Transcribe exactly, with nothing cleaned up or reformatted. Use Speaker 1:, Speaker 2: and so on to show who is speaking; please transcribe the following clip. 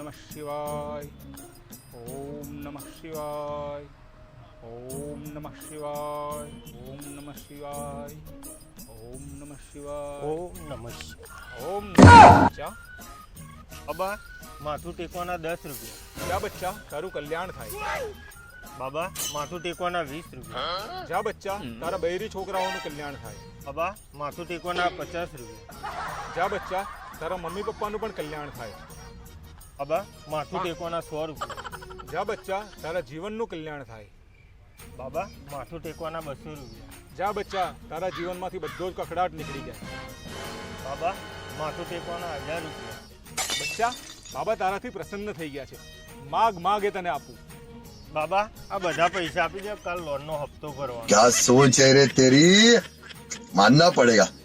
Speaker 1: નમઃ શિવાય. ઓમ નમઃ શિવાય. ઓમ નમઃ શિવાય. ઓમ નમઃ શિવાય. ઓમ નમઃ શિવાય.
Speaker 2: ઓમ નમઃ શિવાય.
Speaker 1: ઓમ બચ્ચા
Speaker 2: બાબા માથું ટેકવાના દસ રૂપિયા.
Speaker 1: જા બચ્ચા તારું કલ્યાણ થાય.
Speaker 2: બાબા માથું ટેકવાના વીસ રૂપિયા.
Speaker 1: જા બચ્ચા તારા બૈરી છોકરાઓનું કલ્યાણ થાય.
Speaker 2: બાબા માથું ટેકવાના પચાસ રૂપિયા.
Speaker 1: જા બચ્ચા તારા મમ્મી પપ્પાનું પણ કલ્યાણ થાય.
Speaker 2: બાબા માથું ટેકવાના સો રૂપિયા.
Speaker 1: જા બચ્ચા તારા જીવનનું કલ્યાણ થાય.
Speaker 2: બાબા માથું ટેકવાના બસો રૂપિયા.
Speaker 1: જા બચ્ચા તારા જીવનમાંથી બધો જ કકડાટ નીકળી જાય.
Speaker 2: બાબા માથું ટેકવાના હજાર રૂપિયા.
Speaker 1: બચ્ચા બાબા તારાથી પ્રસન્ન થઈ ગયા છે. માગ માગ એ તને આપું.
Speaker 2: બાબા આ બધા પૈસા આપી દે, કાલ લોનનો હપ્તો ભરવાનો.
Speaker 3: क्या सोच है रे तेरी, मानना पड़ेगा.